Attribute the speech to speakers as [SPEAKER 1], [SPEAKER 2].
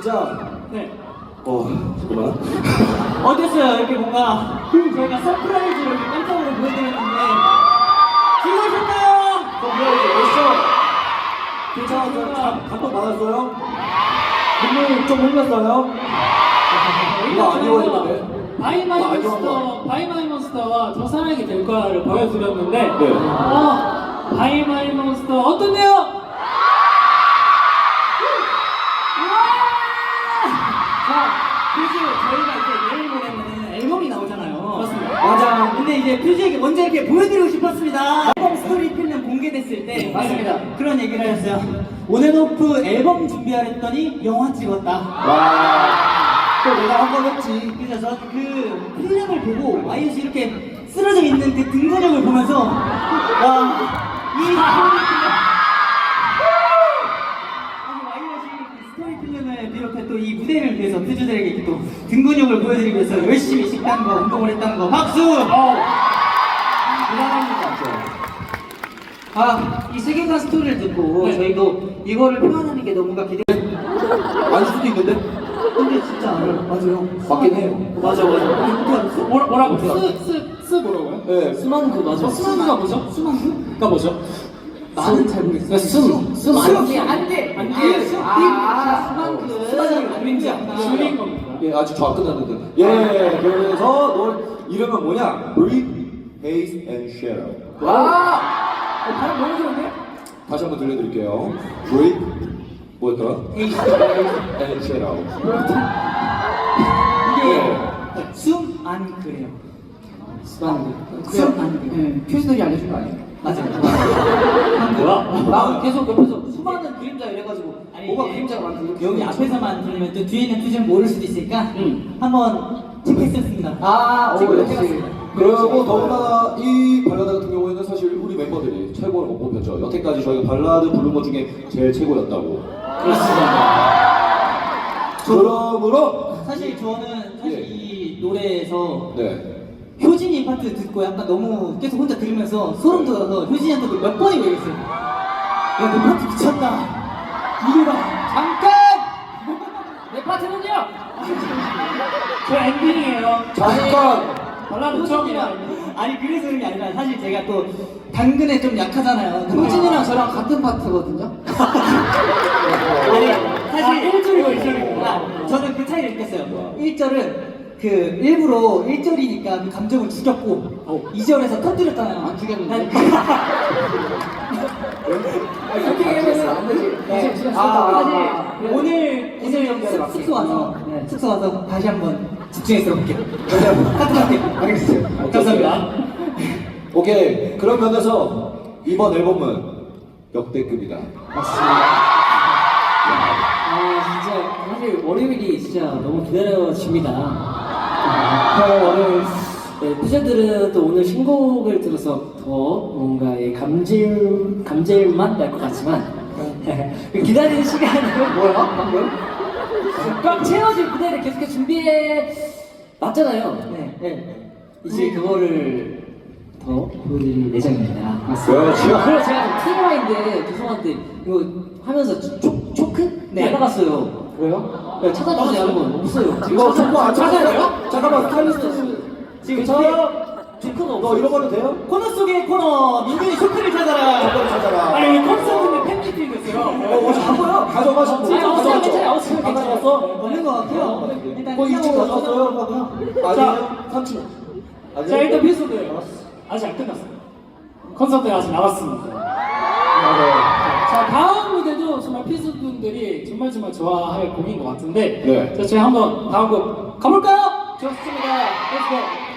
[SPEAKER 1] 진짜
[SPEAKER 2] 네.
[SPEAKER 1] 잠깐만.
[SPEAKER 2] 어땠어요? 이렇게 뭔가 저희가 서프라이즈로 이렇게 깜짝으로 보여드렸는데 즐거우셨나요?
[SPEAKER 1] 서프라이즈 멋있어. 괜찮았어요? 감동 받았어요? 눈물 좀 흘렸어요? 이거 아니었는데.
[SPEAKER 2] 바이마이몬스터와 더 사랑이 될 거야를 보여드렸는데
[SPEAKER 1] 네.
[SPEAKER 2] 바이마이몬스터 어떤데요? 자, 퓨즈 저희가 이제 내일 모레는 앨범이 나오잖아요. 맞습니다.
[SPEAKER 3] 맞아. 근데 이제 퓨즈에게 먼저 이렇게 보여드리고 싶었습니다. 앨범 스토리 필름 공개됐을 때
[SPEAKER 2] 맞습니다.
[SPEAKER 3] 그런 얘기를 하셨어요. 온앤오프 앨범 준비하랬더니 영화 찍었다.
[SPEAKER 1] 와. 또 내가 한 번 했지.
[SPEAKER 3] 그래서 저는 그 필름을 보고 와이엇이 이렇게 쓰러져 있는 그 등근육을 보면서 와, 이 스토리 필름을 비롯해 또 이 무대를 위해서 퓨즈들에게 이렇게 또 등근육을 보여드리기 위해서 열심히 식단 거 운동을 했다는 거 박수!
[SPEAKER 2] 대단합니다.
[SPEAKER 3] 이 세계관 스토리를 듣고
[SPEAKER 2] 네.
[SPEAKER 3] 저희도 이거를 표현하는 게 너무가 기대.
[SPEAKER 1] 아닐 수도 있는데?
[SPEAKER 3] 근데 진짜 알아요. 맞아요.
[SPEAKER 1] 맞긴 해요.
[SPEAKER 3] 맞아. 어떻게 알았어?
[SPEAKER 2] 뭐라고? 스 뭐라고요?
[SPEAKER 1] 네.
[SPEAKER 3] 수만그 맞아.
[SPEAKER 2] 수만두가 뭐죠? 수만두가 뭐죠?
[SPEAKER 3] 나는 잘 모르겠어.
[SPEAKER 2] 숨
[SPEAKER 3] 안개.
[SPEAKER 2] 수만두 그림자 줄인 겁니다.
[SPEAKER 1] 예, 아직 저 안 끝났는데. 예, 그래서 너 이름은 뭐냐? Breathe, Haze and Shadow.
[SPEAKER 2] 발음 너무 좋은데?
[SPEAKER 1] 다시 한번 들려드릴게요. Breathe, 뭐였더라?
[SPEAKER 3] Haze
[SPEAKER 1] and Shadow.
[SPEAKER 3] 이게 숨안 그래요. 숨안 그래.
[SPEAKER 2] 퓨즈들이 알려준 거 아니에요?
[SPEAKER 3] 맞아요.
[SPEAKER 2] 뭐야?
[SPEAKER 3] 나 계속 옆에서 수많은 그림자 이래가지고 뭐가
[SPEAKER 2] 이게
[SPEAKER 3] 그림자가 많고 여기 앞에서만 들리면 또 뒤에 있는 퓨즈는 모를 수도 있으니까
[SPEAKER 2] 응.
[SPEAKER 3] 한번 체크했었습니다.
[SPEAKER 1] 오, 역시. 그리고 더구나 이 발라드 같은 경우에는 사실 우리 멤버들이 최고로 못 뽑혔죠. 여태까지 저희가 발라드 부른 것 중에 제일 최고였다고. 그러므로
[SPEAKER 3] 사실 저는
[SPEAKER 1] 예.
[SPEAKER 3] 이 노래에서
[SPEAKER 1] 네.
[SPEAKER 3] 효진이 파트 듣고 약간 너무 계속 혼자 들으면서 소름 돋아서 효진이한테 몇 번이고 얘기했어요. 야, 너 파트 미쳤다. 이게 봐.
[SPEAKER 2] 잠깐! 내 파트는요? 저 엔딩이에요.
[SPEAKER 1] 잠깐.
[SPEAKER 2] 발라드 처음이라.
[SPEAKER 3] 아니 그래서 그런 게 아니라 사실 제가 또 당근에 좀 약하잖아요. 효진이랑 저랑 같은 파트거든요. 아니 사실 1절이고 1절이구나. 저는 그 차이를 느꼈어요. 1절은 그 일부러 1절이니까 그 감정을 죽였고 2절에서 터뜨렸잖아요. 안 죽였는데. 그렇게 얘기하면 안 되지. 사실 오늘 숙소 와서 숙소 와서 다시 한번 집중해서 볼게요. 카트할게요.
[SPEAKER 1] 알겠어요.
[SPEAKER 3] 감사합니다.
[SPEAKER 1] 오케이. 그런 면에서 이번 앨범은 역대급이다.
[SPEAKER 4] 진짜 사실 월요일이 진짜 너무 기다려집니다. 네, 퓨저들은 또 오늘 신곡을 들어서 더 뭔가 감질맛 날 것 같지만 기다리는 시간을 뭐야? 방금? 꽉 채워질 무대를 계속해서 준비해 놨잖아요. 네. 이제 그거를 더 보여드릴 예정입니다.
[SPEAKER 1] 그렇죠.
[SPEAKER 4] 그래서 제가 좀 TMI인데 죄송한데 이거 하면서 초크?
[SPEAKER 3] 네.
[SPEAKER 4] 나갔어요. 그래요? 네, 찾아주세요 한번. 없어요.
[SPEAKER 1] 이거 정보 안 찾아야 돼요? 잠깐만,
[SPEAKER 4] 네.
[SPEAKER 1] 스타일리스트.
[SPEAKER 3] 지금
[SPEAKER 4] 초크는 없어요.
[SPEAKER 1] 너 잃어버려도 돼요?
[SPEAKER 3] 코너 속의 코너 민준이 쇼크를 찾아라.
[SPEAKER 1] 잠깐 찾아라.
[SPEAKER 2] 아니 왜 콘서트인데 팬미팅 됐어요?
[SPEAKER 1] 잠깐만요. 가져가시고.
[SPEAKER 4] 없어요, 괜찮아요. 없어요,
[SPEAKER 1] 안
[SPEAKER 4] 괜찮아요.
[SPEAKER 1] 가져갔어?
[SPEAKER 3] 없는 것 같아요. 일단
[SPEAKER 1] 뭐 일찍
[SPEAKER 3] 이쪽으로
[SPEAKER 1] 가져갔어요?
[SPEAKER 3] 거고요.
[SPEAKER 1] 아니에요? 3층.
[SPEAKER 2] 자 일단 퓨즈들 아직 안 끝났어요. 콘서트가 아직 남았습니다. 자 다음 무대도 정말 퓨즈분들이 정말 좋아할 곡인 것 같은데
[SPEAKER 1] 네.
[SPEAKER 2] 자 저희 한번 다음 곡 가볼까요? 좋습니다. 렛츠고.